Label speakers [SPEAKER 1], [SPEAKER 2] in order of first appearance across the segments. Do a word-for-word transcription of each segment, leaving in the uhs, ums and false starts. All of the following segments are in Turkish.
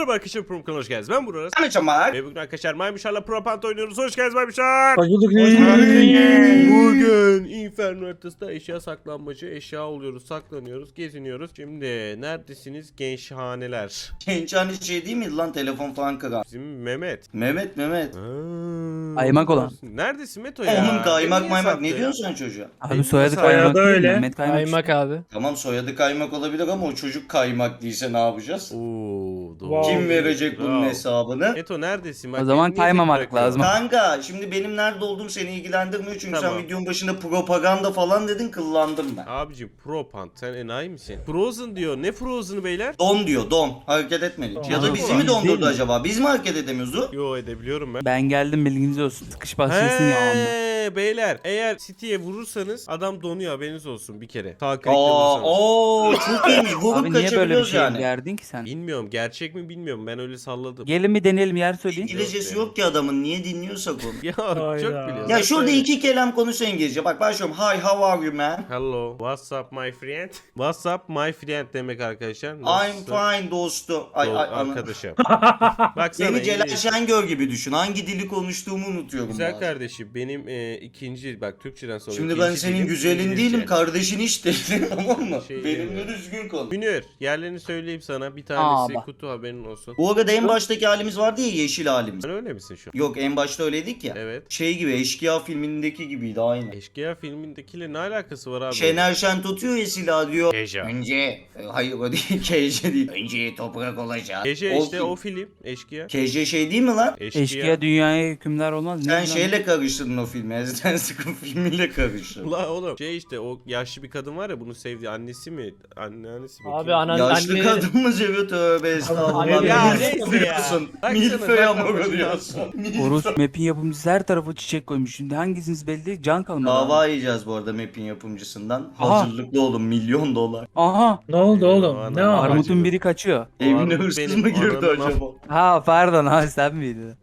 [SPEAKER 1] Merhaba arkadaşlar, Prom kanalına hoş geldiniz. Ben Burak.
[SPEAKER 2] Ben Çamak.
[SPEAKER 1] Ve bugün arkadaşlar Maymuşlarla Propant oynuyoruz. Hoş geldiniz Maymuşlar.
[SPEAKER 3] Hoş bulduk.
[SPEAKER 1] Bugün Inferno haritasında eşya saklanmacı, eşya oluyoruz, saklanıyoruz, geziniyoruz. Şimdi neredesiniz gençhaneler?
[SPEAKER 2] Genç hani şey değil mi lan, telefon falan kıran?
[SPEAKER 1] Bizim Mehmet.
[SPEAKER 2] Mehmet Mehmet.
[SPEAKER 1] Ha,
[SPEAKER 3] Kaymak olan.
[SPEAKER 1] Neredesin Meto ya?
[SPEAKER 2] Oğlum kaymak
[SPEAKER 1] Beni
[SPEAKER 2] maymak
[SPEAKER 1] niye
[SPEAKER 2] ne diyorsun sen çocuğa?
[SPEAKER 3] Abi soyadı
[SPEAKER 1] Soyadı
[SPEAKER 3] kaymak değil mi?
[SPEAKER 4] öyle.
[SPEAKER 3] Mehmet Kaymak.
[SPEAKER 4] Kaymak abi.
[SPEAKER 2] Tamam, soyadı kaymak olabilir ama o çocuk kaymak değilse ne yapacağız?
[SPEAKER 1] Oo, doğru.
[SPEAKER 4] Wow.
[SPEAKER 2] Kim verecek bunun
[SPEAKER 1] Bravo.
[SPEAKER 2] hesabını?
[SPEAKER 1] Meto neredesin? Bak,
[SPEAKER 3] O zaman
[SPEAKER 1] beni niye
[SPEAKER 3] kaymamak
[SPEAKER 1] tek bırakıyorsun?
[SPEAKER 3] lazım.
[SPEAKER 2] Kanka şimdi benim nerede olduğum seni ilgilendirmiyor çünkü
[SPEAKER 1] Tamam.
[SPEAKER 2] sen videonun başında propaganda falan dedin, kıllandım ben.
[SPEAKER 1] Abicim Propant sen enayi misin? Frozen diyor. Ne Frozen'ı beyler?
[SPEAKER 2] Don diyor, don. Hareket etmedi.
[SPEAKER 4] Don.
[SPEAKER 2] Ya da bizi mi
[SPEAKER 3] Biz değil
[SPEAKER 2] dondurdu
[SPEAKER 3] mi?
[SPEAKER 2] acaba? Biz mi hareket edemiyoruz? o?
[SPEAKER 1] Yo, edebiliyorum ben.
[SPEAKER 3] Ben geldim, bilginiz olsun. Sıkış başlasın ya anda.
[SPEAKER 1] He beyler, eğer City'ye vurursanız adam donuyor, haberiniz olsun bir kere. Sağ klikle
[SPEAKER 2] Aa,
[SPEAKER 1] vurursanız.
[SPEAKER 2] ooo çok iyiymiş. Vurup
[SPEAKER 3] Abi niye böyle bir
[SPEAKER 2] kaçabiliyoruz
[SPEAKER 3] şey
[SPEAKER 2] yani.
[SPEAKER 3] verdin ki sen?
[SPEAKER 1] Bilmiyorum, gerçek mi bilmiyorum, ben öyle salladım.
[SPEAKER 3] Gelin bir deneyelim, yer söyleyin.
[SPEAKER 2] İngilizcesi yok ki adamın, niye dinliyorsak onu?
[SPEAKER 1] Ya çok
[SPEAKER 4] Hayda.
[SPEAKER 1] biliyorsun.
[SPEAKER 2] Ya şurada iki kelam konuşsa İngilizce. Bak başlıyorum. Hi, how are you man?
[SPEAKER 1] Hello, what's up my friend? What's up my friend demek arkadaşlar.
[SPEAKER 2] I'm
[SPEAKER 1] Nasılsın?
[SPEAKER 2] fine dostu. Ay
[SPEAKER 1] Ol-
[SPEAKER 2] ay ana.
[SPEAKER 1] arkadaşım. Baksana
[SPEAKER 2] Beni Celal
[SPEAKER 1] İngiliz.
[SPEAKER 2] Şengör gibi düşün. Hangi dili konuştuğumu unutuyorum
[SPEAKER 1] Güzel
[SPEAKER 2] bazen.
[SPEAKER 1] kardeşim, benim e, ikinci, bak Türkçeden sonra
[SPEAKER 2] Şimdi
[SPEAKER 1] ikinci
[SPEAKER 2] ben senin
[SPEAKER 1] dilim
[SPEAKER 2] güzelin
[SPEAKER 1] İngilizce.
[SPEAKER 2] değilim, kardeşin hiç değilim, tamam mı?
[SPEAKER 1] Şey
[SPEAKER 2] Benimle
[SPEAKER 1] demiyorum.
[SPEAKER 2] düzgün konuş.
[SPEAKER 1] Münir, yerlerini söyleyeyim sana, bir tanesi
[SPEAKER 3] bak.
[SPEAKER 1] kutu, haberin olsun.
[SPEAKER 2] Bu arada en baştaki halimiz vardı ya, yeşil halimiz.
[SPEAKER 1] Sen öyle misin şu an?
[SPEAKER 2] Yok, en başta öyleydik ya.
[SPEAKER 1] Evet.
[SPEAKER 2] Şey gibi, Eşkıya filmindeki gibiydi aynı.
[SPEAKER 1] Eşkıya filmindekiyle ne alakası var abi?
[SPEAKER 2] Şener Şen tutuyor ya silahı diyor.
[SPEAKER 1] Keja.
[SPEAKER 2] Önce, e, hayır o değil, Keje değil. Önce toprak olacak.
[SPEAKER 1] Keja
[SPEAKER 2] O
[SPEAKER 1] işte
[SPEAKER 2] film.
[SPEAKER 1] o film. Eşkıya.
[SPEAKER 2] Keje şey değil mi lan?
[SPEAKER 1] Eşkıya.
[SPEAKER 3] Eşkıya dünyaya hükümdar olmaz. Ne
[SPEAKER 2] Sen
[SPEAKER 3] lan?
[SPEAKER 2] şeyle karıştırdın o filmi. Ezden Sıkın filmiyle karıştırdın.
[SPEAKER 1] Ula oğlum şey işte, o yaşlı bir kadın var ya, bunu sevdi, annesi mi? Anneannesi mi?
[SPEAKER 4] Abi
[SPEAKER 1] Kim?
[SPEAKER 4] anan
[SPEAKER 2] Yaşlı
[SPEAKER 4] anne
[SPEAKER 2] kadın mı seviyor, tövbe estağfurullah.
[SPEAKER 4] Ya
[SPEAKER 2] Milf
[SPEAKER 1] neyse ya.
[SPEAKER 2] oluyorsun.
[SPEAKER 1] Baksana,
[SPEAKER 2] Milföy ama
[SPEAKER 1] saklanmaç
[SPEAKER 2] oluyorsun.
[SPEAKER 3] Horus map'in yapımcısı her tarafa çiçek koymuş. Şimdi hangisiniz belli değil. Can kalmadı.
[SPEAKER 2] Dava yiyeceğiz bu arada map'in yapımcısından.
[SPEAKER 3] Aha.
[SPEAKER 2] Hazırlıklı olun, milyon dolar.
[SPEAKER 3] Aha.
[SPEAKER 4] Ne oldu oğlum?
[SPEAKER 1] Aman
[SPEAKER 4] Ne
[SPEAKER 1] Allah'ım.
[SPEAKER 4] var?
[SPEAKER 3] Armut'un biri kaçıyor.
[SPEAKER 1] O
[SPEAKER 2] Evine
[SPEAKER 1] armut
[SPEAKER 2] hırsız
[SPEAKER 1] benim,
[SPEAKER 2] mı girdi
[SPEAKER 1] ananın
[SPEAKER 2] acaba?
[SPEAKER 3] Ha pardon abi, sen miydin?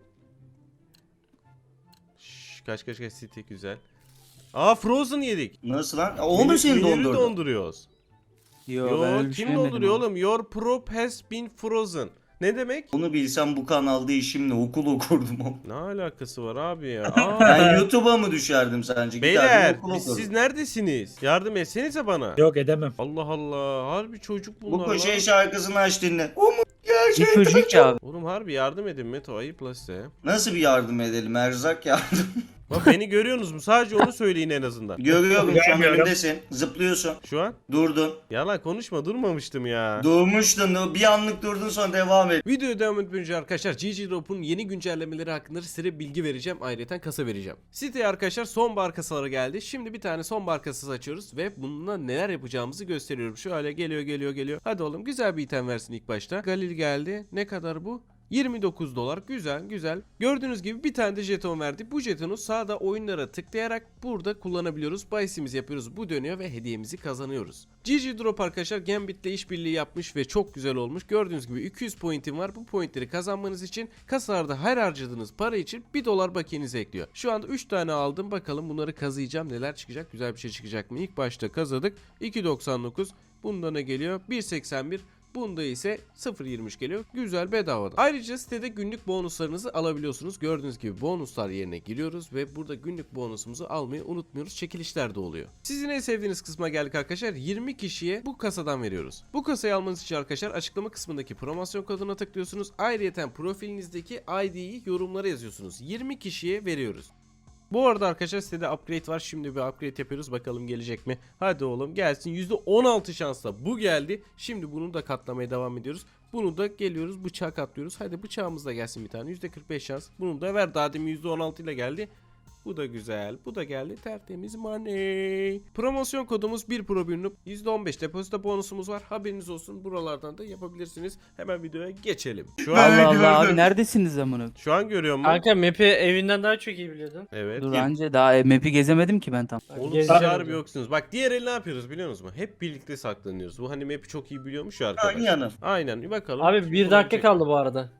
[SPEAKER 1] Şşş, kaç kaç kaç City güzel. Aa, Frozen yedik.
[SPEAKER 2] Nasıl lan? Aa, O mu
[SPEAKER 1] Münir-
[SPEAKER 2] seni
[SPEAKER 1] Münir'i
[SPEAKER 2] dondurdu?
[SPEAKER 1] donduruyor.
[SPEAKER 3] Yo,
[SPEAKER 1] Yo,
[SPEAKER 3] ben öyle bir
[SPEAKER 1] kim
[SPEAKER 3] şey yemedim
[SPEAKER 1] donduruyor
[SPEAKER 3] abi.
[SPEAKER 1] oğlum? Your prop has been frozen. Ne demek?
[SPEAKER 2] Onu bilsem bu kanalda işimle okul okurdum.
[SPEAKER 1] Ne alakası var abi ya? Aa.
[SPEAKER 2] Ben YouTube'a mı düşerdim sence?
[SPEAKER 1] Beyler,
[SPEAKER 2] Giderdim okul
[SPEAKER 1] biz,
[SPEAKER 2] okurdum.
[SPEAKER 1] siz neredesiniz? Yardım etsenize bana.
[SPEAKER 4] Yok edemem.
[SPEAKER 1] Allah Allah, harbi çocuk bunlar
[SPEAKER 2] Bu
[SPEAKER 1] lan.
[SPEAKER 2] koşe şarkısını aç dinle. O mu
[SPEAKER 3] Bir
[SPEAKER 2] gerçekten?
[SPEAKER 3] çocuk ya abi.
[SPEAKER 1] Oğlum harbi yardım edin Meto, ayıp la size.
[SPEAKER 2] Nasıl bir yardım edelim? Erzak yardım.
[SPEAKER 1] Bak beni görüyorsunuz mu? Sadece onu söyleyin en azından.
[SPEAKER 2] Görüyorum şu an
[SPEAKER 4] Görmüyorum.
[SPEAKER 2] önümdesin. Zıplıyorsun.
[SPEAKER 1] Şu an?
[SPEAKER 2] Durdun.
[SPEAKER 1] Yalan konuşma, durmamıştım ya.
[SPEAKER 2] Durmuştun. Bir anlık durdun, sonra devam et.
[SPEAKER 1] Videoya devam etmeden önce arkadaşlar G G Drop'un yeni güncellemeleri hakkında size bilgi vereceğim. Ayrıca kasa vereceğim. Siteye arkadaşlar sonbahar kasaları geldi. Şimdi bir tane sonbahar kasası açıyoruz ve bununla neler yapacağımızı gösteriyorum. Şöyle geliyor geliyor geliyor. Hadi oğlum, güzel bir item versin ilk başta. Galil geldi. Ne kadar bu? yirmi dokuz dolar. Güzel güzel. Gördüğünüz gibi bir tane de jeton verdi. Bu jetonu sağda oyunlara tıklayarak burada kullanabiliyoruz. Bahisimizi yapıyoruz. Bu dönüyor ve hediyemizi kazanıyoruz. G G Drop arkadaşlar Gambit'le işbirliği yapmış ve çok güzel olmuş. Gördüğünüz gibi iki yüz pointim var. Bu pointleri kazanmanız için kasalarda her harcadığınız para için bir dolar bakiyenize ekliyor. Şu anda üç tane aldım. Bakalım bunları kazıyacağım. Neler çıkacak? Güzel bir şey çıkacak mı? İlk başta kazıdık. iki doksan dokuz. Bunda ne geliyor? bir seksen bir. Bunda ise sıfır virgül yirmi üç geliyor. Güzel, bedavadan. Ayrıca sitede günlük bonuslarınızı alabiliyorsunuz. Gördüğünüz gibi bonuslar yerine giriyoruz ve burada günlük bonusumuzu almayı unutmuyoruz. Çekilişler de oluyor. Sizin en sevdiğiniz kısma geldik arkadaşlar. yirmi kişiye bu kasadan veriyoruz. Bu kasayı almanız için arkadaşlar açıklama kısmındaki promosyon koduna tıklıyorsunuz. Ayrıca profilinizdeki I D'yi yorumlara yazıyorsunuz. yirmi kişiye veriyoruz. Bu arada arkadaşlar sitede upgrade var. Şimdi bir upgrade yapıyoruz. Bakalım gelecek mi? Hadi oğlum gelsin. yüzde on altı şansla bu geldi. Şimdi bunu da katlamaya devam ediyoruz. Bunu da geliyoruz. Bıçağı katlıyoruz. Hadi bıçağımız da gelsin bir tane. yüzde kırk beş şans. Bunu da ver. Daha demin yüzde on altı ile geldi. Bu da güzel. Bu da geldi. Tertemiz money. Promosyon kodumuz bir pro bir noob. yüzde on beş depozito bonusumuz var. Haberiniz olsun. Buralardan da yapabilirsiniz. Hemen videoya geçelim. Şu an,
[SPEAKER 3] Allah Allah
[SPEAKER 2] gördüm.
[SPEAKER 3] abi, neredesiniz amına?
[SPEAKER 1] şu an görüyor musun?
[SPEAKER 4] Kanka map'i evinden daha çok iyi biliyordun.
[SPEAKER 1] Evet.
[SPEAKER 3] Dur anca daha e, map'i gezemedim ki ben tam.
[SPEAKER 1] Oğlum
[SPEAKER 4] Gez-
[SPEAKER 1] siz harbi yoksunuz. Bak diğer el ne yapıyoruz biliyor musunuz? Hep birlikte saklanıyoruz. Bu hani map'i çok iyi biliyormuş ya arkadaş.
[SPEAKER 2] Aynen.
[SPEAKER 1] Aynen bir bakalım.
[SPEAKER 4] Abi
[SPEAKER 1] Kim
[SPEAKER 4] bir dakika
[SPEAKER 1] bulabilecek?
[SPEAKER 4] kaldı bu arada.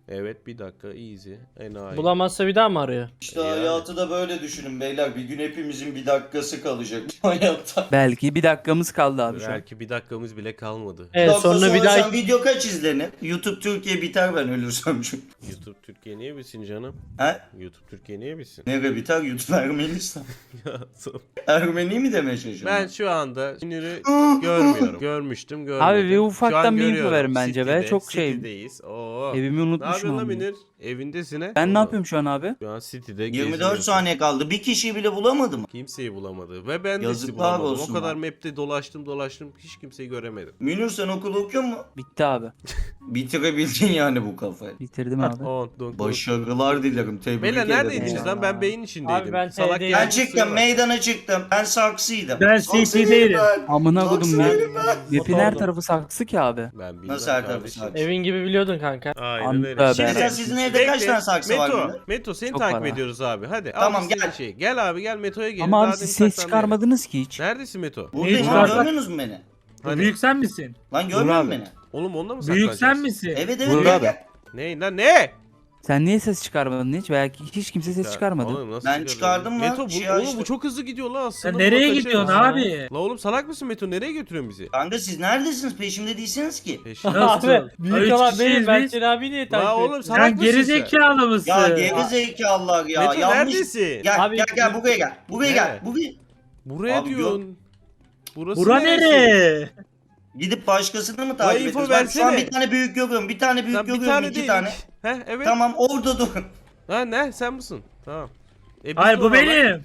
[SPEAKER 1] Evet bir dakika easy. Enayi.
[SPEAKER 4] Bulamazsa bir daha mı arıyor?
[SPEAKER 2] İşte
[SPEAKER 1] Yani.
[SPEAKER 2] hayatı da böyle düşünün beyler. Bir gün hepimizin bir dakikası kalacak hayatta.
[SPEAKER 3] Belki bir dakikamız kaldı abi şu an.
[SPEAKER 1] Belki bir dakikamız bile kalmadı.
[SPEAKER 4] Evet
[SPEAKER 2] Yoksa
[SPEAKER 4] sonra bir daha
[SPEAKER 2] sen video kaç izlenir? YouTube Türkiye biter ben ölürsem çünkü.
[SPEAKER 1] YouTube Türkiye niye bilsin canım?
[SPEAKER 2] He?
[SPEAKER 1] YouTube Türkiye niye bilsin?
[SPEAKER 2] Nereye biter? YouTube Ermenistan.
[SPEAKER 1] Ya, so-
[SPEAKER 2] Ermeni mi demeye çalışıyorsun?
[SPEAKER 1] ben şu anda Münir'i görmüyorum. Görmüştüm görmedim.
[SPEAKER 3] Abi bir
[SPEAKER 1] Şu
[SPEAKER 3] ufaktan
[SPEAKER 1] an
[SPEAKER 3] bir info
[SPEAKER 1] görüyorum.
[SPEAKER 3] verin bence be.
[SPEAKER 1] City'de,
[SPEAKER 3] Çok şey.
[SPEAKER 1] City'deyiz. Oo.
[SPEAKER 3] Evimi
[SPEAKER 1] Ne
[SPEAKER 3] unutmuşum
[SPEAKER 1] yapıyorsun lan
[SPEAKER 3] abi.
[SPEAKER 1] Münir? Evindesin he?
[SPEAKER 3] Ben ne
[SPEAKER 1] Oo.
[SPEAKER 3] yapıyorum şu an abi?
[SPEAKER 1] Şu an City'de
[SPEAKER 2] yirmi dört
[SPEAKER 1] geziyorsun.
[SPEAKER 2] saniye kaldı. Bir kişiyi bile bulamadım.
[SPEAKER 1] Kimseyi bulamadı. Ve ben de sizi
[SPEAKER 2] Yazıklar
[SPEAKER 1] bulamadım.
[SPEAKER 2] olsun
[SPEAKER 1] O kadar
[SPEAKER 2] lan.
[SPEAKER 1] map'te dolaştım dolaştım. Hiç kimseyi göremedim.
[SPEAKER 2] Münir sen okul okuyor mu?
[SPEAKER 3] Bitti abi.
[SPEAKER 2] Bitirebildin yani bu kafayı.
[SPEAKER 3] Bitirdim abi.
[SPEAKER 1] On, don,
[SPEAKER 2] Başarılar dilerim. Tebrik
[SPEAKER 1] Beyler
[SPEAKER 2] ederim.
[SPEAKER 1] neredeydiniz
[SPEAKER 3] ya.
[SPEAKER 1] lan? Ben beyin içindeydim.
[SPEAKER 4] Abi ben
[SPEAKER 1] Salak
[SPEAKER 4] T'deyim.
[SPEAKER 1] yer
[SPEAKER 2] Ben
[SPEAKER 1] misin
[SPEAKER 2] çıktım,
[SPEAKER 1] var?
[SPEAKER 2] meydana çıktım. Ben saksıydım.
[SPEAKER 5] Ben
[SPEAKER 2] Saksı
[SPEAKER 5] C T'deydim.
[SPEAKER 2] değilim ben.
[SPEAKER 3] Amına kodum
[SPEAKER 2] Saksı
[SPEAKER 3] ya.
[SPEAKER 2] değilim ben.
[SPEAKER 3] Map'in her
[SPEAKER 4] Oturdum.
[SPEAKER 3] tarafı saksı ki abi.
[SPEAKER 1] Ben bilmem
[SPEAKER 2] Nasıl her tarafı
[SPEAKER 1] kardeşim.
[SPEAKER 2] saksı?
[SPEAKER 4] Evin gibi biliyordun kanka.
[SPEAKER 1] Aynen
[SPEAKER 3] Anta
[SPEAKER 1] öyle.
[SPEAKER 3] be.
[SPEAKER 2] Şimdi sen sizin evde kaç
[SPEAKER 1] Bekle.
[SPEAKER 2] tane saksı var?
[SPEAKER 1] Meto,
[SPEAKER 2] Münir?
[SPEAKER 1] Meto seni
[SPEAKER 3] Çok
[SPEAKER 1] takip
[SPEAKER 3] var ha.
[SPEAKER 1] ediyoruz abi. Hadi. al
[SPEAKER 2] Tamam,
[SPEAKER 1] istediğin
[SPEAKER 2] gel.
[SPEAKER 1] Şeyi. Gel abi gel Meto'ya gelin.
[SPEAKER 3] Ama
[SPEAKER 1] Daha
[SPEAKER 3] abi
[SPEAKER 1] demin
[SPEAKER 3] siz ses
[SPEAKER 1] saklandın.
[SPEAKER 3] çıkarmadınız ki hiç.
[SPEAKER 1] Neredesin Meto?
[SPEAKER 2] Buradayım
[SPEAKER 5] Ne
[SPEAKER 2] oğlum,
[SPEAKER 5] çıkarsa-
[SPEAKER 2] görmüyorsunuz mu beni?
[SPEAKER 1] Hani?
[SPEAKER 5] Büyük sen misin?
[SPEAKER 2] Lan görmüyor musun
[SPEAKER 3] abi.
[SPEAKER 2] beni?
[SPEAKER 1] Oğlum onunla mı
[SPEAKER 5] Büyük
[SPEAKER 1] saklanacağız?
[SPEAKER 5] sen misin?
[SPEAKER 2] Evet evet
[SPEAKER 3] Burak
[SPEAKER 2] gel
[SPEAKER 3] abi.
[SPEAKER 2] gel.
[SPEAKER 1] Ne lan ne?
[SPEAKER 3] Sen niye ses çıkarmadın hiç? Belki hiç kimse ses
[SPEAKER 1] Ya,
[SPEAKER 3] çıkarmadı.
[SPEAKER 1] oğlum nasıl
[SPEAKER 2] Ben
[SPEAKER 1] çıkaracağız?
[SPEAKER 2] çıkardım lan,
[SPEAKER 1] Meto bu,
[SPEAKER 2] şey
[SPEAKER 1] oğlum
[SPEAKER 2] açtım.
[SPEAKER 1] bu çok hızlı gidiyor lan aslında.
[SPEAKER 5] Sen
[SPEAKER 1] buna
[SPEAKER 5] nereye
[SPEAKER 1] kaçarız.
[SPEAKER 5] gidiyorsun
[SPEAKER 4] ya.
[SPEAKER 5] abi?
[SPEAKER 1] La oğlum salak mısın Meto? Nereye götürüyorsun bizi?
[SPEAKER 2] Kanka siz neredesiniz? Peşimde değilsiniz ki.
[SPEAKER 1] Peşin.
[SPEAKER 5] Nasıl?
[SPEAKER 4] Abi
[SPEAKER 5] Ha,
[SPEAKER 4] büyük
[SPEAKER 5] üç
[SPEAKER 4] olan
[SPEAKER 5] kişiyiz
[SPEAKER 4] benim. Ben
[SPEAKER 5] biz.
[SPEAKER 4] seni abi niye takip
[SPEAKER 1] La
[SPEAKER 4] ettim?
[SPEAKER 1] oğlum salak
[SPEAKER 5] Sen
[SPEAKER 1] mısın
[SPEAKER 5] geri
[SPEAKER 1] sen?
[SPEAKER 5] zekalı mısın?
[SPEAKER 2] Ya geri zekalılar ya.
[SPEAKER 1] Meto
[SPEAKER 2] Yanlış.
[SPEAKER 1] neredesin?
[SPEAKER 2] Gel
[SPEAKER 4] Abi-
[SPEAKER 2] gel gel buraya gel. Buraya gel.
[SPEAKER 1] Nereye?
[SPEAKER 2] Buraya.
[SPEAKER 1] Buraya
[SPEAKER 2] Abi
[SPEAKER 1] diyorsun. Burası
[SPEAKER 5] Bura
[SPEAKER 1] neresi?
[SPEAKER 5] nere?
[SPEAKER 2] Gidip başkasını mı
[SPEAKER 1] La
[SPEAKER 2] takip
[SPEAKER 1] info
[SPEAKER 2] ediyoruz? Bak şu an
[SPEAKER 1] versene.
[SPEAKER 2] bir tane büyük görüyorum. Bir tane büyük
[SPEAKER 1] Lan bir
[SPEAKER 2] görüyorum.
[SPEAKER 1] tane
[SPEAKER 2] iki
[SPEAKER 1] değil.
[SPEAKER 2] tane.
[SPEAKER 1] Heh evet.
[SPEAKER 2] Tamam orada dur.
[SPEAKER 1] Ha ne sen misin? Tamam. E, biz
[SPEAKER 5] Hayır
[SPEAKER 1] de
[SPEAKER 5] bu
[SPEAKER 1] o zaman-
[SPEAKER 5] benim.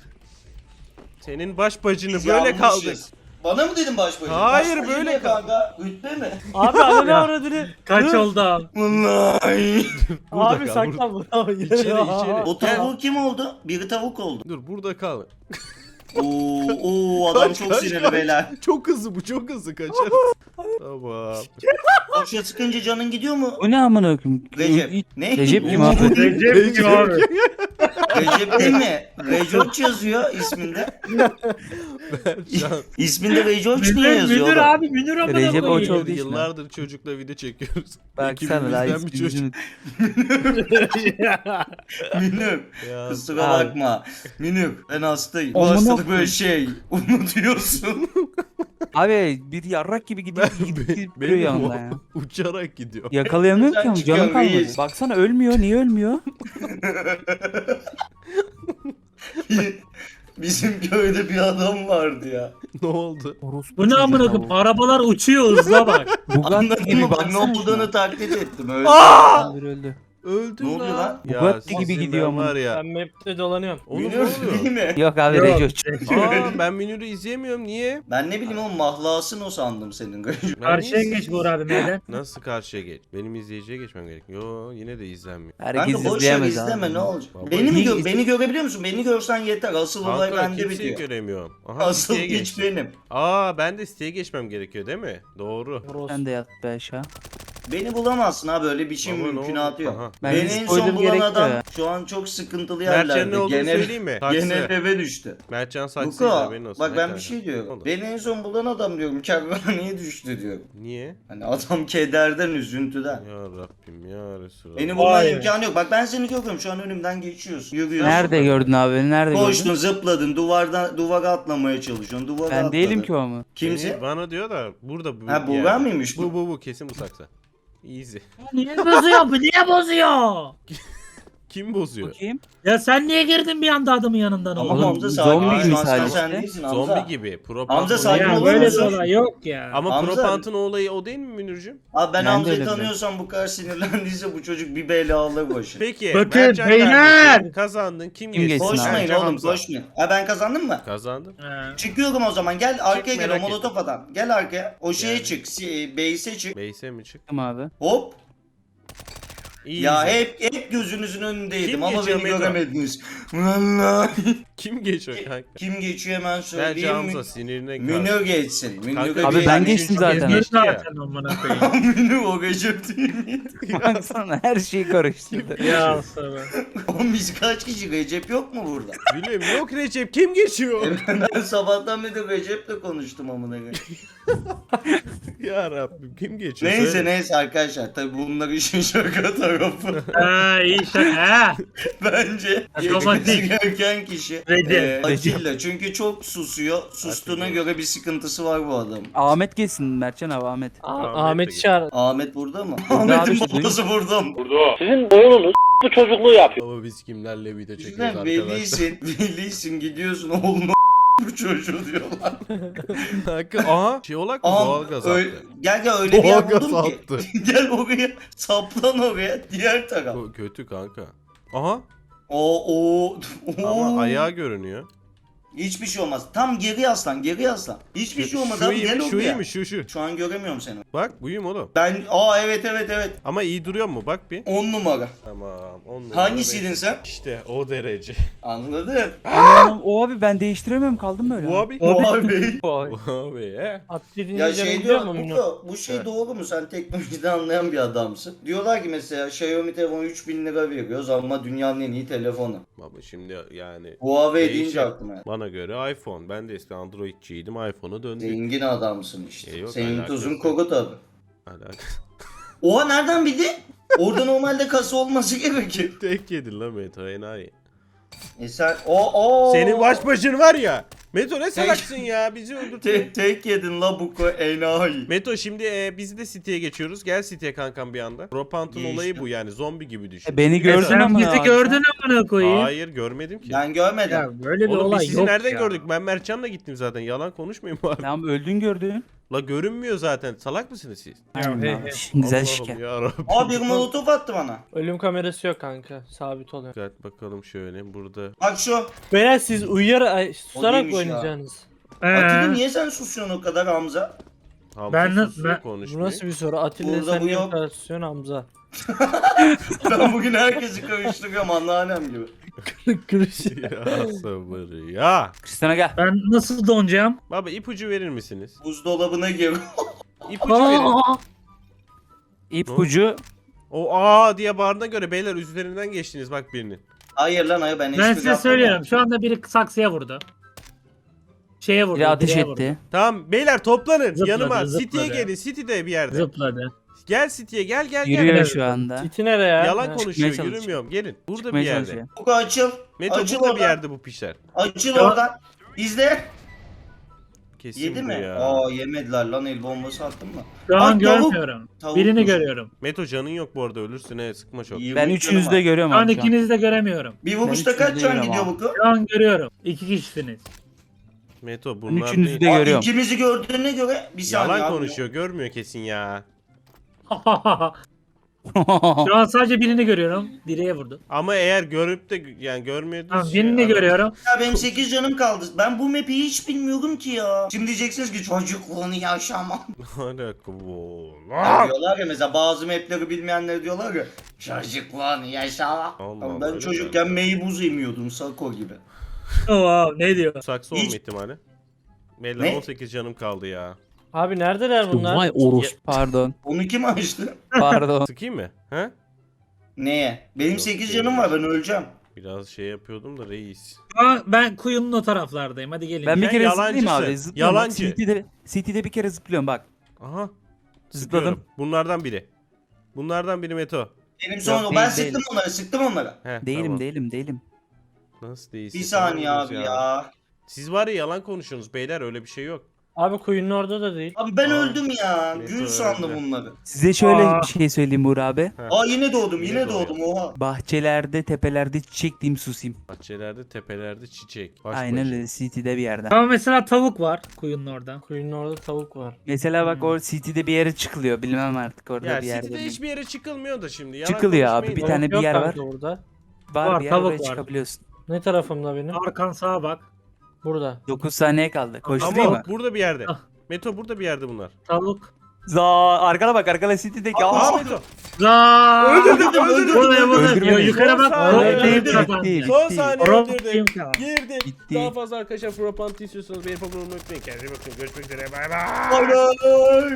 [SPEAKER 1] Senin baş bacını
[SPEAKER 2] Biz
[SPEAKER 1] böyle
[SPEAKER 2] yanlışız.
[SPEAKER 1] kaldık.
[SPEAKER 2] Bana mı dedin baş başa?
[SPEAKER 1] Hayır,
[SPEAKER 2] Baş başa
[SPEAKER 1] böyle
[SPEAKER 2] ne
[SPEAKER 1] kal-
[SPEAKER 2] kanka? Rütbe mi?
[SPEAKER 4] Abi ananı
[SPEAKER 5] Ya.
[SPEAKER 4] avradını.
[SPEAKER 5] Kaç
[SPEAKER 4] Dur.
[SPEAKER 5] oldu?
[SPEAKER 2] Vallahi.
[SPEAKER 1] Burada
[SPEAKER 4] Abi
[SPEAKER 1] kal,
[SPEAKER 4] saklan burada.
[SPEAKER 1] İçeri, içeri.
[SPEAKER 2] O tavuğu kim oldu? Biri tavuk oldu.
[SPEAKER 1] Dur burada kal.
[SPEAKER 2] Oo, oo adam
[SPEAKER 1] Kaç,
[SPEAKER 2] çok
[SPEAKER 1] kaç,
[SPEAKER 2] sinirli
[SPEAKER 1] kaç.
[SPEAKER 2] beyler.
[SPEAKER 1] Çok hızlı bu çok hızlı kaçarız. Tamam.
[SPEAKER 2] Boşa sıkınca canın gidiyor mu?
[SPEAKER 3] Bu ne amına koyayım?
[SPEAKER 2] Recep. Ne?
[SPEAKER 3] Recep kim
[SPEAKER 2] Oo,
[SPEAKER 3] abi?
[SPEAKER 5] Recep kim abi?
[SPEAKER 2] Recep değil mi? Rejoç yazıyor isminde.
[SPEAKER 1] Şu an
[SPEAKER 2] İsminde Rejoç niye
[SPEAKER 5] Münir,
[SPEAKER 2] yazıyor?
[SPEAKER 5] Münir
[SPEAKER 2] oğlum?
[SPEAKER 5] abi Münir amına
[SPEAKER 3] Recep
[SPEAKER 5] koyayım.
[SPEAKER 3] Oç olduğu için.
[SPEAKER 1] yıllardır çocukla video çekiyoruz.
[SPEAKER 3] Baksana la
[SPEAKER 1] Ekibimizden bir çocuk.
[SPEAKER 3] ismimizin.
[SPEAKER 2] Münir.
[SPEAKER 1] Ya,
[SPEAKER 2] Kusura
[SPEAKER 3] Abi.
[SPEAKER 2] bakma. Münir ben hastayım. Bu
[SPEAKER 3] Amına
[SPEAKER 2] hastalık
[SPEAKER 3] koyayım.
[SPEAKER 2] böyle şey. Unutuyorsun.
[SPEAKER 3] Abi bir yarrak gibi gidiyor. Gidip gidip duruyor
[SPEAKER 1] benim
[SPEAKER 3] yanında
[SPEAKER 1] o
[SPEAKER 3] ya.
[SPEAKER 1] uçarak gidiyor.
[SPEAKER 3] Yakalayamıyorum
[SPEAKER 2] Sen
[SPEAKER 3] ki ama
[SPEAKER 2] çıkıyorsun,
[SPEAKER 3] canım kalmadı.
[SPEAKER 2] reis.
[SPEAKER 3] Baksana ölmüyor. Niye ölmüyor?
[SPEAKER 2] Bizim köyde bir adam vardı ya.
[SPEAKER 1] Ne oldu?
[SPEAKER 3] Orospu
[SPEAKER 5] Bu ne
[SPEAKER 3] çocuğu
[SPEAKER 5] amına
[SPEAKER 3] ya
[SPEAKER 5] koyayım?
[SPEAKER 3] bu.
[SPEAKER 5] Arabalar uçuyor hızla bak.
[SPEAKER 3] Bugatti
[SPEAKER 2] Anladın
[SPEAKER 3] gibi
[SPEAKER 2] mı? Bak ne
[SPEAKER 3] baksana
[SPEAKER 2] olduğunu
[SPEAKER 3] şuna.
[SPEAKER 2] taklit ettim. Öyle.
[SPEAKER 3] Öldü öldü.
[SPEAKER 1] Öldün
[SPEAKER 2] Ne oluyor lan?
[SPEAKER 3] Bugatti gibi
[SPEAKER 1] sizin
[SPEAKER 3] gidiyor
[SPEAKER 1] ben
[SPEAKER 3] ama.
[SPEAKER 1] var ya.
[SPEAKER 4] Ben map'te dolanıyorum.
[SPEAKER 1] Oğlum ne
[SPEAKER 2] Münir
[SPEAKER 1] oluyor?
[SPEAKER 2] değil mi?
[SPEAKER 3] Yok abi
[SPEAKER 5] Yok.
[SPEAKER 3] Rejoç.
[SPEAKER 1] Aa ben Münir'i izleyemiyorum niye?
[SPEAKER 2] Ben ne bileyim oğlum mahlasın o sandım senin.
[SPEAKER 1] Ben
[SPEAKER 5] Karşıya
[SPEAKER 1] niye-
[SPEAKER 5] geç Buğra abi neden?
[SPEAKER 1] Nasıl karşıya geç? Benim izleyiciye geçmem gerek. Yo yine de izlenmiyor.
[SPEAKER 3] Herkes
[SPEAKER 2] Kanka boş ver
[SPEAKER 3] izleyemez
[SPEAKER 2] izleme
[SPEAKER 3] abi.
[SPEAKER 2] ne olacak?
[SPEAKER 1] Baba,
[SPEAKER 2] Beni mi
[SPEAKER 3] iyi
[SPEAKER 2] gö
[SPEAKER 3] iz-
[SPEAKER 2] beni görebiliyor musun? Beni görsen yeter. Asıl olay
[SPEAKER 1] Kanka
[SPEAKER 2] bende
[SPEAKER 1] kimseyi
[SPEAKER 2] bitiyor.
[SPEAKER 1] göremiyorum. Aha
[SPEAKER 2] Asıl
[SPEAKER 1] siteye
[SPEAKER 2] hiç
[SPEAKER 1] geçtim.
[SPEAKER 2] benim.
[SPEAKER 1] Aa ben de siteye geçmem gerekiyor değil mi? Doğru.
[SPEAKER 3] Sen de yat be aşağı.
[SPEAKER 2] Beni bulamazsın ha böyle bir şey
[SPEAKER 1] Baba, ne
[SPEAKER 2] mümkünatı
[SPEAKER 1] oldu?
[SPEAKER 2] yok.
[SPEAKER 1] Aha.
[SPEAKER 3] Bence
[SPEAKER 2] Beni en
[SPEAKER 3] spoiler
[SPEAKER 2] son bulan
[SPEAKER 3] gerekli
[SPEAKER 2] adam
[SPEAKER 3] ya.
[SPEAKER 2] şu an çok sıkıntılı
[SPEAKER 1] Mertcan'ın ne
[SPEAKER 2] yerlerde.
[SPEAKER 1] olduğunu
[SPEAKER 2] Gene,
[SPEAKER 1] söyleyeyim mi?
[SPEAKER 2] gene
[SPEAKER 1] Saksı.
[SPEAKER 2] eve düştü.
[SPEAKER 1] Mertcan saksıydı
[SPEAKER 2] Luka
[SPEAKER 1] haberin olsun.
[SPEAKER 2] bak
[SPEAKER 1] Ne
[SPEAKER 2] ben
[SPEAKER 1] kadar?
[SPEAKER 2] bir şey
[SPEAKER 1] Ne
[SPEAKER 2] diyorum.
[SPEAKER 1] oldu?
[SPEAKER 2] Beni en son bulan adam diyorum. Kervaneye düştü diyorum.
[SPEAKER 1] Niye?
[SPEAKER 2] Hani adam kederden, üzüntüden.
[SPEAKER 1] Ya Rabbim ya Resulallah.
[SPEAKER 2] Beni bulma
[SPEAKER 5] Vay.
[SPEAKER 2] imkanı yok. Bak ben seni görüyorum. Şu an önümden geçiyorsun. Yürüyorsun.
[SPEAKER 3] Nerede gördün abi beni? Nerede
[SPEAKER 2] Koştun,
[SPEAKER 3] gördün?
[SPEAKER 2] zıpladın, duvardan duvara atlamaya çalışıyorsun. Duvara
[SPEAKER 3] Ben
[SPEAKER 2] atladın.
[SPEAKER 3] değilim ki o ama.
[SPEAKER 2] Kimse?
[SPEAKER 1] Beni- Bana diyor da burada bu.
[SPEAKER 2] Ha bu
[SPEAKER 1] yani.
[SPEAKER 2] ben miymiş
[SPEAKER 1] Bu
[SPEAKER 2] bu?
[SPEAKER 1] bu bu kesin bu saksı. Easy.
[SPEAKER 5] Niye bozuyor bu? Niye bozuyor?
[SPEAKER 1] Kim bozuyor?
[SPEAKER 3] Bakayım.
[SPEAKER 5] Ya sen niye girdin bir anda adamın yanından
[SPEAKER 2] Ama
[SPEAKER 5] oğlum?
[SPEAKER 3] Oğlum,
[SPEAKER 2] Hamza
[SPEAKER 3] zombi
[SPEAKER 2] sakin.
[SPEAKER 1] gibi
[SPEAKER 2] Şu an sen,
[SPEAKER 3] sadece.
[SPEAKER 2] sen değilsin Hamza.
[SPEAKER 1] Zombi gibi. Pro
[SPEAKER 2] Hamza
[SPEAKER 1] Pantolon-
[SPEAKER 2] sakin
[SPEAKER 5] Ya
[SPEAKER 2] olur
[SPEAKER 5] böyle bir
[SPEAKER 2] musun?
[SPEAKER 5] olay yok ya.
[SPEAKER 1] Ama
[SPEAKER 2] Hamza-
[SPEAKER 1] Pro Pantolon olayı o değil mi Münir'cim?
[SPEAKER 2] Abi ben
[SPEAKER 3] Ben de
[SPEAKER 2] Hamza'yı
[SPEAKER 3] öyle
[SPEAKER 2] tanıyorsam bu kadar sinirlendiyse bu çocuk bir bela alır başı.
[SPEAKER 1] Peki.
[SPEAKER 5] Bakın,
[SPEAKER 1] Mertcan
[SPEAKER 5] beyler!
[SPEAKER 1] kardeşim, kazandın. Kim,
[SPEAKER 3] Kim
[SPEAKER 1] geçti?
[SPEAKER 3] geçsin abi?
[SPEAKER 2] Koşmayın
[SPEAKER 1] Mertcan
[SPEAKER 2] oğlum
[SPEAKER 1] Hamza.
[SPEAKER 2] koşmayın. Ha ben kazandım mı?
[SPEAKER 1] Kazandın.
[SPEAKER 5] Ha.
[SPEAKER 2] Çıkıyorum o zaman gel arkaya gel o
[SPEAKER 1] merak
[SPEAKER 2] molotof adam. Gel arkaya. O şeye
[SPEAKER 1] Yani.
[SPEAKER 2] çık. si- Base'e çık.
[SPEAKER 1] Beyse mi çık?
[SPEAKER 3] Tamam abi.
[SPEAKER 2] Hop.
[SPEAKER 1] İyi.
[SPEAKER 2] Ya hep hep gözünüzün önündeydim
[SPEAKER 1] Kim
[SPEAKER 2] ama
[SPEAKER 1] geçiyor
[SPEAKER 2] beni
[SPEAKER 1] Meto?
[SPEAKER 2] göremediniz. Vallahi.
[SPEAKER 1] Kim geçiyor kanka?
[SPEAKER 2] Kim geçiyor hemen
[SPEAKER 1] Bence
[SPEAKER 2] söyleyeyim mi?
[SPEAKER 1] Hamza sinirine
[SPEAKER 2] Münir geçsin. Münir
[SPEAKER 1] Kanka,
[SPEAKER 3] Abi
[SPEAKER 2] geçsin.
[SPEAKER 3] ben
[SPEAKER 1] geçti,
[SPEAKER 3] geçtim
[SPEAKER 1] çok
[SPEAKER 3] zaten.
[SPEAKER 1] geçti.
[SPEAKER 5] Geçti
[SPEAKER 1] ya.
[SPEAKER 5] zaten amına koyayım.
[SPEAKER 2] Münir o Recep değil miydi?
[SPEAKER 3] Baksana her şeyi karıştırdı.
[SPEAKER 5] Ya sana.
[SPEAKER 2] Oğlum biz kaç kişi? Recep yok mu burada?
[SPEAKER 1] Bilmiyorum yok Recep kim geçiyor?
[SPEAKER 2] ben sabahtan beri Recep'le konuştum amına koyayım.
[SPEAKER 1] Ya Rabbim kim geçiyor?
[SPEAKER 2] Neyse
[SPEAKER 1] Söyle.
[SPEAKER 2] neyse arkadaşlar tabi bunlar işin şaka tarafı.
[SPEAKER 5] Ha iyi şaka ha.
[SPEAKER 2] Bence
[SPEAKER 5] Romantik.
[SPEAKER 2] geçmesi gereken kişi
[SPEAKER 5] Redi.
[SPEAKER 2] e, Atilla. Çünkü çok susuyor. Sustuğuna
[SPEAKER 1] Atilla.
[SPEAKER 2] göre bir sıkıntısı var bu adam.
[SPEAKER 3] Ahmet gelsin Mertcan abi Ahmet.
[SPEAKER 4] A-
[SPEAKER 1] Ahmet de
[SPEAKER 4] Ahmet'i
[SPEAKER 1] git.
[SPEAKER 4] çağır.
[SPEAKER 2] Ahmet burada mı?
[SPEAKER 3] Burada abi
[SPEAKER 2] Ahmet'in
[SPEAKER 3] işte,
[SPEAKER 2] babası burada mı?
[SPEAKER 4] Sizin oyununuz bu çocukluğu yapıyor.
[SPEAKER 1] Ama biz kimlerle video çekiyoruz
[SPEAKER 2] Bizden
[SPEAKER 1] arkadaşlar.
[SPEAKER 2] velisin, velisin gidiyorsun oğlum bu çocuğu diyorlar.
[SPEAKER 1] Kanka aha şey olak mı?
[SPEAKER 2] Aha,
[SPEAKER 1] Doğalgaz
[SPEAKER 2] öyle-
[SPEAKER 1] attı.
[SPEAKER 2] Gel gel öyle bir yer
[SPEAKER 1] Doğalgaz
[SPEAKER 2] buldum ki.
[SPEAKER 1] attı.
[SPEAKER 2] Gel oraya saplan oraya diğer taraf.
[SPEAKER 1] Bu kötü kanka. Aha
[SPEAKER 2] O o o.
[SPEAKER 1] ama ayağı görünüyor.
[SPEAKER 2] Hiçbir şey olmaz. Tam geri yaslan, geri yaslan. Hiçbir şey olmaz
[SPEAKER 1] şu
[SPEAKER 2] abi
[SPEAKER 1] iyi
[SPEAKER 2] gel
[SPEAKER 1] mi? Şu iyi
[SPEAKER 2] oraya.
[SPEAKER 1] mi? Şu şu.
[SPEAKER 2] Şu an göremiyorum seni.
[SPEAKER 1] Bak buyum oğlum.
[SPEAKER 2] Ben aa evet evet evet.
[SPEAKER 1] Ama iyi duruyor mu? Bak bir.
[SPEAKER 2] on numara.
[SPEAKER 1] Tamam. on numara
[SPEAKER 2] Hangisiydin
[SPEAKER 1] beş.
[SPEAKER 2] sen?
[SPEAKER 1] İşte o derece.
[SPEAKER 2] Anladın.
[SPEAKER 3] Aa, o abi ben değiştiremiyorum kaldım böyle.
[SPEAKER 1] Bu abi.
[SPEAKER 2] O abi.
[SPEAKER 3] Vay.
[SPEAKER 1] Bu abi he.
[SPEAKER 4] Atletini
[SPEAKER 2] Ya
[SPEAKER 4] ya
[SPEAKER 2] şey
[SPEAKER 4] biliyor
[SPEAKER 2] diyor,
[SPEAKER 4] mu?
[SPEAKER 2] bu, bu şey
[SPEAKER 1] Evet.
[SPEAKER 2] doğru mu? Sen teknolojiden anlayan bir adamsın. Diyorlar ki mesela Xiaomi telefonu üç bin lira veriyoruz ama dünyanın en iyi telefonu.
[SPEAKER 1] Baba şimdi yani
[SPEAKER 2] Huawei
[SPEAKER 1] Değişik.
[SPEAKER 2] deyince aklıma geldi.
[SPEAKER 1] bana göre iPhone. Ben de eski Android'ciydim. iPhone'a döndüm.
[SPEAKER 2] Zengin adamsın işte.
[SPEAKER 1] E, yok,
[SPEAKER 2] Senin
[SPEAKER 1] alakası
[SPEAKER 2] tuzun
[SPEAKER 1] yok.
[SPEAKER 2] koku tabi.
[SPEAKER 1] Alakası.
[SPEAKER 2] Oha nereden bildin? Orada normalde kasa olması gerekir.
[SPEAKER 1] Tek yedin lan Meto enayi.
[SPEAKER 2] E sen o o.
[SPEAKER 1] Senin baş başın var ya. Meto ne salaksın ya bizi öldürdün.
[SPEAKER 2] Te- tek yedin la bu ko enayi.
[SPEAKER 1] Meto şimdi e, biz de City'ye geçiyoruz. Gel City'ye kankam bir anda. Propant'ın
[SPEAKER 2] Geçtim.
[SPEAKER 1] olayı bu yani zombi gibi düşün.
[SPEAKER 3] E, beni
[SPEAKER 5] E,
[SPEAKER 3] gördün
[SPEAKER 5] sen
[SPEAKER 3] ama
[SPEAKER 5] bizi
[SPEAKER 3] ya.
[SPEAKER 5] gördün amına koyayım.
[SPEAKER 1] Hayır görmedim ki.
[SPEAKER 2] Ben görmedim.
[SPEAKER 5] Ya böyle bir
[SPEAKER 1] Oğlum biz
[SPEAKER 5] olay
[SPEAKER 1] sizi
[SPEAKER 5] yok
[SPEAKER 1] nereden
[SPEAKER 5] ya.
[SPEAKER 1] gördük? Ben Mertcan'la gittim zaten. Yalan konuşmayayım abi.
[SPEAKER 3] Tamam öldün gördün.
[SPEAKER 1] La görünmüyor zaten. Salak mısınız siz?
[SPEAKER 3] Aynen
[SPEAKER 5] he,
[SPEAKER 3] abi.
[SPEAKER 5] he.
[SPEAKER 3] Güzel
[SPEAKER 1] Allah'ım
[SPEAKER 3] şike.
[SPEAKER 1] yarabbim.
[SPEAKER 2] Aa bir molotof attı bana.
[SPEAKER 4] Ölüm kamerası yok kanka. Sabit oluyor.
[SPEAKER 1] Dikkat bakalım şöyle burada.
[SPEAKER 2] Bak şu.
[SPEAKER 4] Beyler siz uyuyar ay, susarak
[SPEAKER 2] değilmiş ya.
[SPEAKER 4] oynayacaksınız.
[SPEAKER 2] Atilla
[SPEAKER 5] Ee,
[SPEAKER 2] niye sen susuyorsun o kadar Hamza?
[SPEAKER 1] Hamza
[SPEAKER 5] Ben ne-
[SPEAKER 1] susuyor,
[SPEAKER 5] ben-
[SPEAKER 4] Bu
[SPEAKER 1] konuşmuyor.
[SPEAKER 4] nasıl bir soru? Atilla
[SPEAKER 2] Burada
[SPEAKER 4] sen
[SPEAKER 2] bu
[SPEAKER 4] niye
[SPEAKER 2] yok.
[SPEAKER 4] bu kadar susuyorsun Hamza?
[SPEAKER 2] Ben bugün herkesi karıştırıyorum anneannem gibi.
[SPEAKER 4] Kırış.
[SPEAKER 1] ya sabır ya.
[SPEAKER 3] Kristan'a gel.
[SPEAKER 5] ben nasıl donacağım?
[SPEAKER 1] Baba ipucu verir misiniz?
[SPEAKER 2] Buzdolabına gir.
[SPEAKER 1] İpucu verin.
[SPEAKER 5] Aa,
[SPEAKER 3] İpucu.
[SPEAKER 1] O aa diye bağırdığına göre beyler üzerinden geçtiniz bak birinin.
[SPEAKER 2] Hayır lan hayır ben
[SPEAKER 5] ben
[SPEAKER 2] espri
[SPEAKER 5] size
[SPEAKER 2] yaptım
[SPEAKER 5] söylüyorum.
[SPEAKER 2] ya.
[SPEAKER 5] Şu anda biri saksıya vurdu. Şeye vurdu.
[SPEAKER 3] Biri ateş
[SPEAKER 5] direğe vurdu.
[SPEAKER 3] etti.
[SPEAKER 1] Tamam beyler toplanın
[SPEAKER 5] Zıpladı,
[SPEAKER 1] yanıma.
[SPEAKER 5] zıpladı.
[SPEAKER 1] City'ye gelin. City'de bir yerde.
[SPEAKER 5] Zıpladı.
[SPEAKER 1] Gel City'ye gel gel gel.
[SPEAKER 3] Yürüyor
[SPEAKER 5] Evet.
[SPEAKER 3] şu anda.
[SPEAKER 4] Titi nereye ya?
[SPEAKER 1] Yalan
[SPEAKER 4] Ha.
[SPEAKER 1] konuşuyor
[SPEAKER 3] çalışıyor.
[SPEAKER 1] yürümüyorum. Gelin. Burada bir
[SPEAKER 3] Çıkmaya
[SPEAKER 1] yerde.
[SPEAKER 3] çalışıyor.
[SPEAKER 2] Buko açıl.
[SPEAKER 1] Meto
[SPEAKER 2] Açıl
[SPEAKER 1] burada bir
[SPEAKER 2] oradan.
[SPEAKER 1] yerde bu pişler.
[SPEAKER 2] Açıl
[SPEAKER 5] Ya.
[SPEAKER 2] oradan. İzle.
[SPEAKER 1] Kesin
[SPEAKER 2] Yedi
[SPEAKER 1] bu
[SPEAKER 2] mi?
[SPEAKER 1] ya.
[SPEAKER 2] Aa yemediler lan el bombası attın mı?
[SPEAKER 5] Şu
[SPEAKER 2] Ay,
[SPEAKER 5] an
[SPEAKER 2] tavuk.
[SPEAKER 5] görmüyorum.
[SPEAKER 2] Tavuk
[SPEAKER 5] Birini
[SPEAKER 2] kuş.
[SPEAKER 5] görüyorum.
[SPEAKER 1] Meto canın yok bu arada ölürsün he sıkma çok.
[SPEAKER 2] yirmi
[SPEAKER 3] Ben
[SPEAKER 2] canım
[SPEAKER 3] üçünüzü
[SPEAKER 2] var.
[SPEAKER 3] de görüyorum
[SPEAKER 5] Şu an
[SPEAKER 3] abi şu an.
[SPEAKER 5] ikinizi de göremiyorum.
[SPEAKER 2] Bir
[SPEAKER 3] Ben
[SPEAKER 2] vuruşta
[SPEAKER 3] üçünüzü
[SPEAKER 2] kaç
[SPEAKER 3] de
[SPEAKER 2] can
[SPEAKER 3] görüyorum
[SPEAKER 2] gidiyor
[SPEAKER 3] abi.
[SPEAKER 2] Buko?
[SPEAKER 5] Şu an görüyorum. İki kişisiniz.
[SPEAKER 1] Meto
[SPEAKER 3] Ben
[SPEAKER 1] bunlar
[SPEAKER 3] üçünüzü de
[SPEAKER 1] değil.
[SPEAKER 2] Aa,
[SPEAKER 3] görüyorum.
[SPEAKER 2] ikimizi gördüğüne göre bir saniye
[SPEAKER 1] Yalan
[SPEAKER 2] abi.
[SPEAKER 1] konuşuyor görmüyor kesin ya.
[SPEAKER 5] Şu an sadece birini görüyorum. Direğe vurdu.
[SPEAKER 1] Ama eğer görüp de yani görmüyordu.
[SPEAKER 5] Tamam birini görüyorum.
[SPEAKER 2] Ya benim sekiz canım kaldı. Ben bu map'i hiç bilmiyorum ki ya. Şimdi diyeceksiniz ki çocukluğunu yaşamam.
[SPEAKER 1] Alaka bu.
[SPEAKER 2] Ya diyorlar ya mesela bazı map'leri bilmeyenler diyorlar ya çocukluğunu yaşamam.
[SPEAKER 1] Allah
[SPEAKER 2] Ama
[SPEAKER 1] Allah,
[SPEAKER 2] ben
[SPEAKER 1] öyle
[SPEAKER 2] çocukken meybuz emiyordum Sako gibi.
[SPEAKER 5] Oh, ne diyor?
[SPEAKER 1] Saksı
[SPEAKER 2] Hiç-
[SPEAKER 1] olma ihtimali. Beyler
[SPEAKER 2] Ne?
[SPEAKER 1] on sekiz canım kaldı ya.
[SPEAKER 4] Abi neredeler bunlar?
[SPEAKER 3] Vay orospu. Pardon.
[SPEAKER 2] Onu kim açtı?
[SPEAKER 3] Pardon.
[SPEAKER 1] Sıkayım mı? He?
[SPEAKER 2] Neye? Benim
[SPEAKER 1] Yok,
[SPEAKER 2] sekiz
[SPEAKER 1] değil.
[SPEAKER 2] canım var ben öleceğim.
[SPEAKER 1] Biraz şey yapıyordum da reis.
[SPEAKER 5] Şu an ben kuyunun o taraflardayım. Hadi gelin.
[SPEAKER 3] Ben bir
[SPEAKER 1] Sen
[SPEAKER 3] kere zıplayayım
[SPEAKER 1] yalancısın.
[SPEAKER 3] abi. Zıplıyorum. Bak,
[SPEAKER 1] Yalancı.
[SPEAKER 3] City'de, City'de bir kere zıplıyorum bak.
[SPEAKER 1] Aha.
[SPEAKER 3] Zıpladım.
[SPEAKER 1] Sıkıyorum. Bunlardan biri. Bunlardan biri Meto.
[SPEAKER 2] Benim sonra
[SPEAKER 3] Yok,
[SPEAKER 2] ben
[SPEAKER 3] değil,
[SPEAKER 2] sıktım onlara sıktım onlara.
[SPEAKER 1] Heh,
[SPEAKER 3] Değilim
[SPEAKER 1] tamam.
[SPEAKER 3] değilim değilim.
[SPEAKER 1] Nasıl değilsin?
[SPEAKER 2] Bir saniye
[SPEAKER 1] Tamam
[SPEAKER 2] abi
[SPEAKER 1] ya.
[SPEAKER 2] ya.
[SPEAKER 1] Siz var ya yalan konuşuyorsunuz beyler öyle bir şey yok.
[SPEAKER 4] Abi kuyunun orada da değil.
[SPEAKER 2] Abi ben
[SPEAKER 1] Aa,
[SPEAKER 2] öldüm ya.
[SPEAKER 1] neyse,
[SPEAKER 2] Gün sandım
[SPEAKER 1] öyle.
[SPEAKER 2] bunları.
[SPEAKER 3] Size şöyle
[SPEAKER 5] Aa.
[SPEAKER 3] bir şey söyleyeyim Uğur abi.
[SPEAKER 2] Aa yine doğdum
[SPEAKER 1] Yine
[SPEAKER 2] yine,
[SPEAKER 1] doğuyor.
[SPEAKER 2] doğdum oha.
[SPEAKER 3] Bahçelerde, tepelerde çiçek diyeyim susayım.
[SPEAKER 1] Bahçelerde, tepelerde çiçek. Baş
[SPEAKER 3] Aynen
[SPEAKER 1] başa.
[SPEAKER 3] öyle City'de bir yerde.
[SPEAKER 5] Ama mesela tavuk var kuyunun orada.
[SPEAKER 4] Kuyunun orada tavuk var.
[SPEAKER 3] Mesela bak o City'de bir yere çıkılıyor. Bilmem artık orada
[SPEAKER 1] Ya
[SPEAKER 3] bir yerde.
[SPEAKER 1] City'de
[SPEAKER 3] mi?
[SPEAKER 1] hiçbir yere çıkılmıyor da şimdi. Yalan
[SPEAKER 3] Çıkılıyor abi,
[SPEAKER 1] konuşmayın
[SPEAKER 3] bir
[SPEAKER 1] da.
[SPEAKER 3] tane-
[SPEAKER 4] Tavuk yok
[SPEAKER 3] yer
[SPEAKER 4] kanka burada.
[SPEAKER 3] Var,
[SPEAKER 5] Var,
[SPEAKER 3] bir yer
[SPEAKER 5] tavuk
[SPEAKER 3] oraya
[SPEAKER 5] var.
[SPEAKER 3] çıkabiliyorsun.
[SPEAKER 4] Ne tarafımda benim?
[SPEAKER 5] Arkan sağa bak.
[SPEAKER 4] Burada.
[SPEAKER 3] dokuz saniye kaldı. Koşturayım
[SPEAKER 1] Ama
[SPEAKER 3] mı?
[SPEAKER 1] burada bir yerde.
[SPEAKER 5] Ah.
[SPEAKER 1] Meto burada bir yerde bunlar.
[SPEAKER 5] Tavuk.
[SPEAKER 3] Za arkana bak arkana City'deki.
[SPEAKER 2] Aa,
[SPEAKER 3] Aa,
[SPEAKER 1] Aa Meto.
[SPEAKER 5] Zaa!
[SPEAKER 2] Öldürdüm öldürdüm.
[SPEAKER 5] Buraya buraya.
[SPEAKER 3] Öldürmeyin.
[SPEAKER 5] Yo, yukarı bak.
[SPEAKER 1] Son
[SPEAKER 5] Oraya
[SPEAKER 1] saniye.
[SPEAKER 5] deyip
[SPEAKER 3] Bitti,
[SPEAKER 5] kazandı.
[SPEAKER 3] bitti.
[SPEAKER 1] Son saniye
[SPEAKER 5] Oraya
[SPEAKER 1] öldürdüm.
[SPEAKER 5] bakayım kal.
[SPEAKER 1] Girdim.
[SPEAKER 3] Bitti.
[SPEAKER 1] Daha fazla arkadaşlar Propant istiyorsanız beğenip abone olmayı unutmayın. Kendinize bakın. Görüşmek üzere. Bay bay.
[SPEAKER 2] Bay bay.